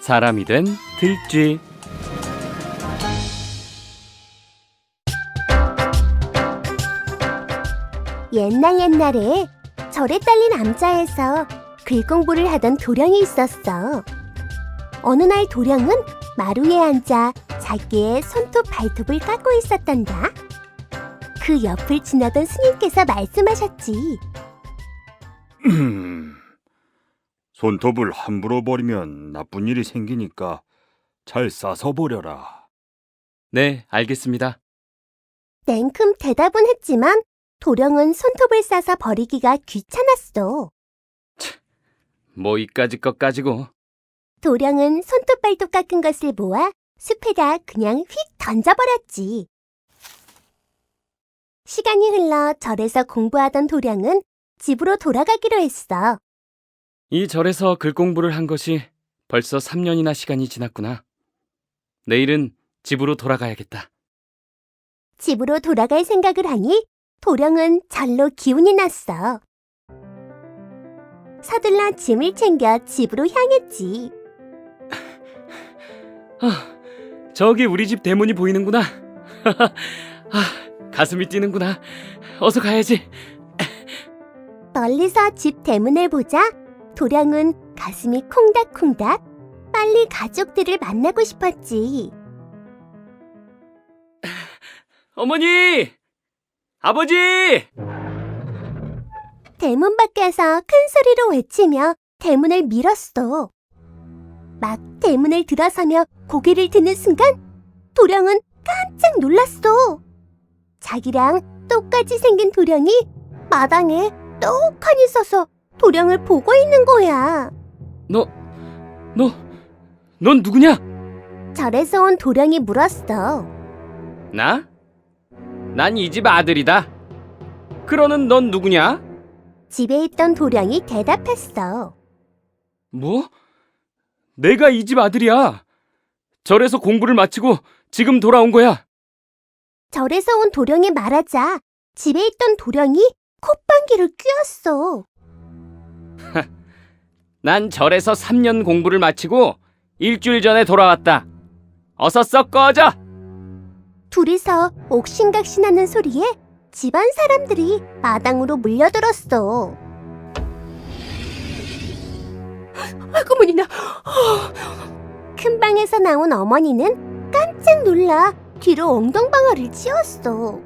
사람이 된 들쥐. 옛날에 절에 딸린 암자에서 글 공부를 하던 도령이 있었어. 어느 날 도령은 마루에 앉아 자기의 손톱 발톱을 깎고 있었단다. 그 옆을 지나던 스님께서 말씀하셨지. 손톱을 함부로 버리면 나쁜 일이 생기니까 잘 싸서 버려라. 네, 알겠습니다. 냉큼 대답은 했지만 도령은 손톱을 싸서 버리기가 귀찮았어. 뭐 이까짓 것 가지고. 도령은 손톱 발톱 깎은 것을 모아 숲에다 그냥 휙 던져버렸지. 시간이 흘러 절에서 공부하던 도령은 집으로 돌아가기로 했어. 이 절에서 글 공부를 한 것이 벌써 3년이나 시간이 지났구나. 내일은 집으로 돌아가야겠다. 집으로 돌아갈 생각을 하니 도령은 절로 기운이 났어. 서둘러 짐을 챙겨 집으로 향했지. 저기 우리 집 대문이 보이는구나. 가슴이 뛰는구나. 어서 가야지. 멀리서 집 대문을 보자 도령은 가슴이 콩닥콩닥. 빨리 가족들을 만나고 싶었지. 어머니! 아버지! 대문 밖에서 큰 소리로 외치며 대문을 밀었어. 막 대문을 들어서며 고개를 드는 순간 도령은 깜짝 놀랐어. 자기랑 똑같이 생긴 도령이 마당에 떡하니 서서 도령을 보고 있는 거야. 넌 누구냐? 절에서 온 도령이 물었어. 나? 난 이 집 아들이다. 그러는 넌 누구냐? 집에 있던 도령이 대답했어. 뭐? 내가 이 집 아들이야. 절에서 공부를 마치고 지금 돌아온 거야. 절에서 온 도령이 말하자 집에 있던 도령이 콧방귀를 뀌었어. 난 절에서 3년 공부를 마치고 일주일 전에 돌아왔다. 어서 썩 꺼져! 둘이서 옥신각신하는 소리에 집안 사람들이 마당으로 몰려들었어. 어머니나! 큰 방에서 나온 어머니는 깜짝 놀라 뒤로 엉덩방아를 찧었어.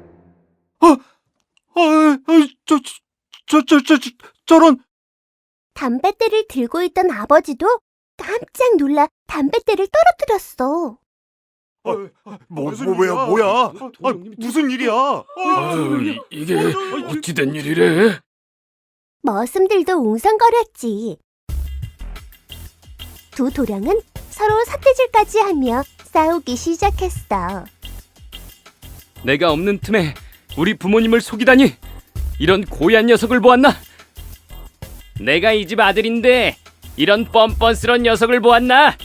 저런. 담뱃대를 들고 있던 아버지도 깜짝 놀라 담뱃대를 떨어뜨렸어. 뭐야? 무슨 일이야? 이게 어찌된 일이래? 머슴들도 웅성거렸지. 두 도령은 서로 삿대질까지 하며 싸우기 시작했어. 내가 없는 틈에 우리 부모님을 속이다니! 이런 고얀 녀석을 보았나? 내가 이 집 아들인데 이런 뻔뻔스런 녀석을 보았나?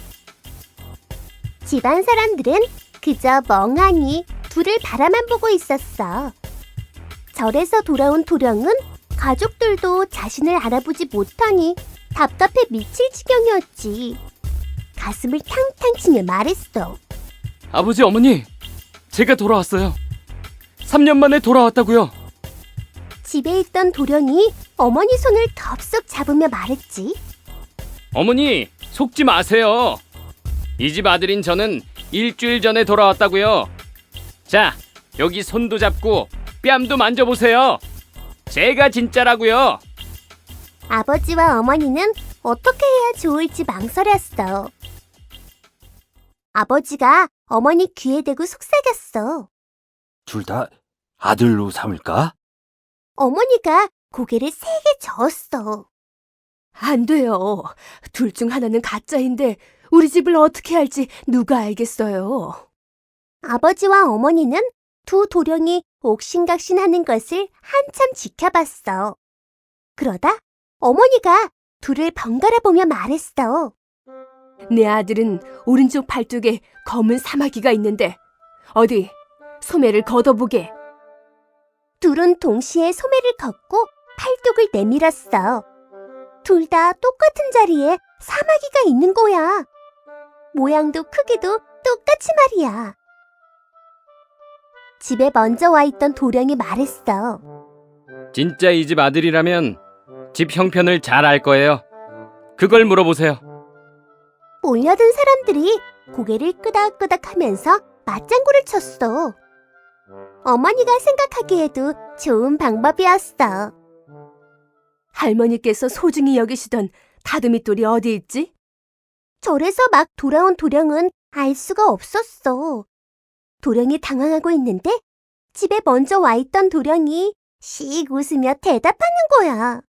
집안 사람들은 그저 멍하니 둘을 바라만 보고 있었어. 절에서 돌아온 도령은 가족들도 자신을 알아보지 못하니 답답해 미칠 지경이었지. 가슴을 탕탕 치며 말했어. 아버지, 어머니, 제가 돌아왔어요. 3년 만에 돌아왔다고요. 집에 있던 도령이 어머니 손을 덥석 잡으며 말했지. 어머니, 속지 마세요. 이 집 아들인 저는 일주일 전에 돌아왔다고요. 자, 여기 손도 잡고 뺨도 만져보세요. 제가 진짜라고요. 아버지와 어머니는 어떻게 해야 좋을지 망설였어. 아버지가 어머니 귀에 대고 속삭였어. 둘 다 아들로 삼을까? 어머니가 고개를 세게 저었어. 안 돼요. 둘 중 하나는 가짜인데 우리 집을 어떻게 할지 누가 알겠어요. 아버지와 어머니는 두 도령이 옥신각신하는 것을 한참 지켜봤어. 그러다 어머니가 둘을 번갈아 보며 말했어. 내 아들은 오른쪽 팔뚝에 검은 사마귀가 있는데 어디 소매를 걷어보게. 둘은 동시에 소매를 걷고 팔뚝을 내밀었어. 둘 다 똑같은 자리에 사마귀가 있는 거야. 모양도 크기도 똑같이 말이야. 집에 먼저 와 있던 도령이 말했어. 진짜 이 집 아들이라면 집 형편을 잘 알 거예요. 그걸 물어보세요. 몰려든 사람들이 고개를 끄덕끄덕 하면서 맞장구를 쳤어. 어머니가 생각하기에도 좋은 방법이었어. 할머니께서 소중히 여기시던 다듬이돌이 어디 있지? 절에서 막 돌아온 도령은 알 수가 없었어. 도령이 당황하고 있는데 집에 먼저 와 있던 도령이 씩 웃으며 대답하는 거야.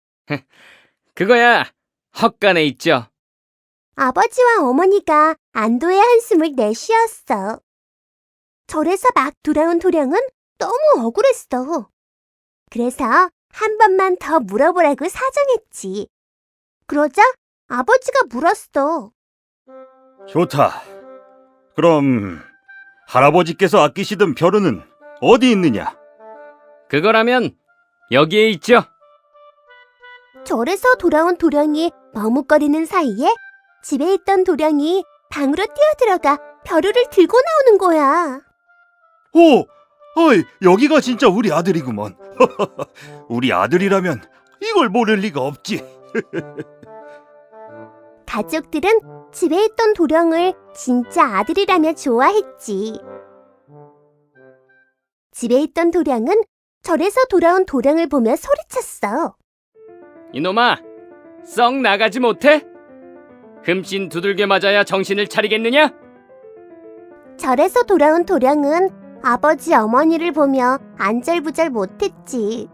그거야 헛간에 있죠. 아버지와 어머니가 안도의 한숨을 내쉬었어. 절에서 막 돌아온 도령은 너무 억울했어. 그래서 한 번만 더 물어보라고 사정했지. 그러자 아버지가 물었어. 좋다. 그럼 할아버지께서 아끼시던 벼루는 어디 있느냐? 그거라면 여기에 있죠. 절에서 돌아온 도령이 머뭇거리는 사이에 집에 있던 도령이 방으로 뛰어들어가 벼루를 들고 나오는 거야. 오! 어이, 여기가 진짜 우리 아들이구먼. 우리 아들이라면 이걸 모를 리가 없지. 가족들은 집에 있던 도령을 진짜 아들이라며 좋아했지. 집에 있던 도령은 절에서 돌아온 도령을 보며 소리쳤어. 이놈아, 썩 나가지 못해? 흠씬 두들겨 맞아야 정신을 차리겠느냐? 절에서 돌아온 도령은 아버지 어머니를 보며 안절부절 못했지.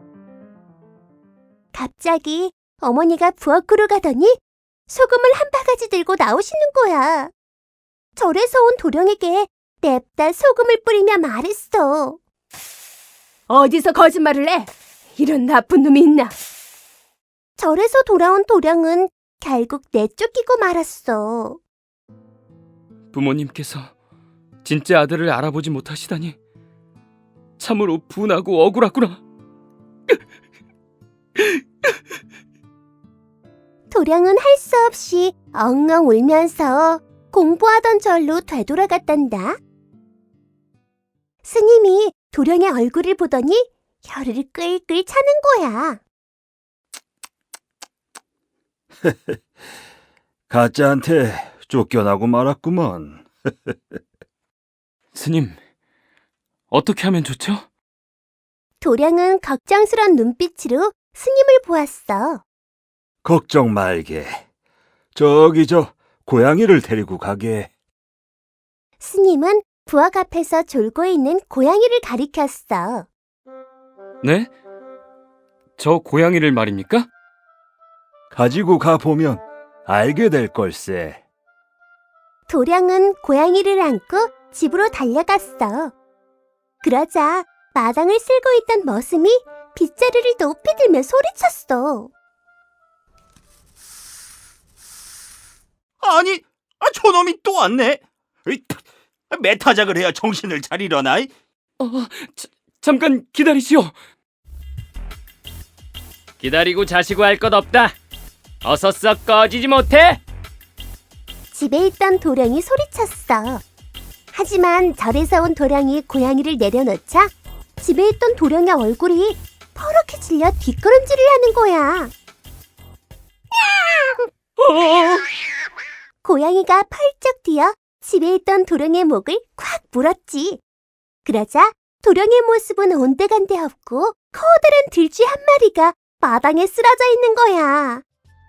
갑자기 어머니가 부엌으로 가더니 소금을 한 바가지 들고 나오시는 거야. 절에서 온 도령에게 냅다 소금을 뿌리며 말했어. 어디서 거짓말을 해? 이런 나쁜 놈이 있나? 절에서 돌아온 도령은 결국 내쫓기고 말았어. 부모님께서 진짜 아들을 알아보지 못하시다니 참으로 분하고 억울하구나. 도령은 할 수 없이 엉엉 울면서 공부하던 절로 되돌아갔단다. 스님이 도령의 얼굴을 보더니 혀를 끌끌 차는 거야. 가짜한테 쫓겨나고 말았구먼. 스님, 어떻게 하면 좋죠? 도령은 걱정스런 눈빛으로 스님을 보았어. 걱정 말게. 저기 저 고양이를 데리고 가게. 스님은 부엌 앞에서 졸고 있는 고양이를 가리켰어. 네? 저 고양이를 말입니까? 가지고 가보면 알게 될 걸세. 도령은 고양이를 안고 집으로 달려갔어. 그러자 마당을 쓸고 있던 머슴이 빗자루를 높이 들며 소리쳤어. 아니, 저놈이 또 왔네. 매타작을 해야 정신을 차리려나? 잠깐 기다리시오. 기다리고 자시고 할 것 없다. 어서 썩 꺼지지 못해? 집에 있던 도령이 소리쳤어. 하지만 절에서 온 도령이 고양이를 내려놓자 집에 있던 도령의 얼굴이 퍼렇게 질려 뒷걸음질을 하는 거야. 고양이가 펄쩍 뛰어 집에 있던 도령의 목을 콱 물었지. 그러자 도령의 모습은 온데간데 없고 커다란 들쥐 한 마리가 마당에 쓰러져 있는 거야.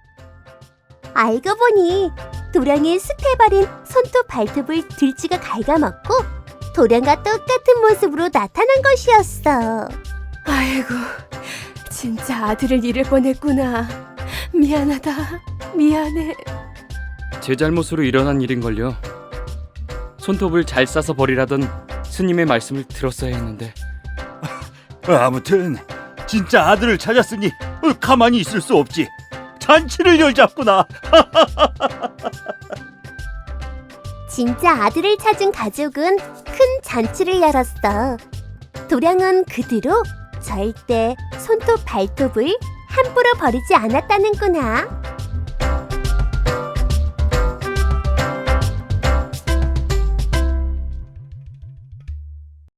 알고 보니 도령이 숲에 버린 손톱 발톱을 들쥐가 갉아먹고 도령과 똑같은 모습으로 나타난 것이었어. 아이고, 진짜 아들을 잃을 뻔했구나. 미안하다. 미안해. 제 잘못으로 일어난 일인걸요. 손톱을 잘 싸서 버리라던 스님의 말씀을 들었어야 했는데. 아무튼 진짜 아들을 찾았으니 가만히 있을 수 없지. 잔치를 열자꾸나. 진짜 아들을 찾은 가족은 큰 잔치를 열었어. 도령은 그 뒤로 절대 손톱 발톱을 함부로 버리지 않았다는구나.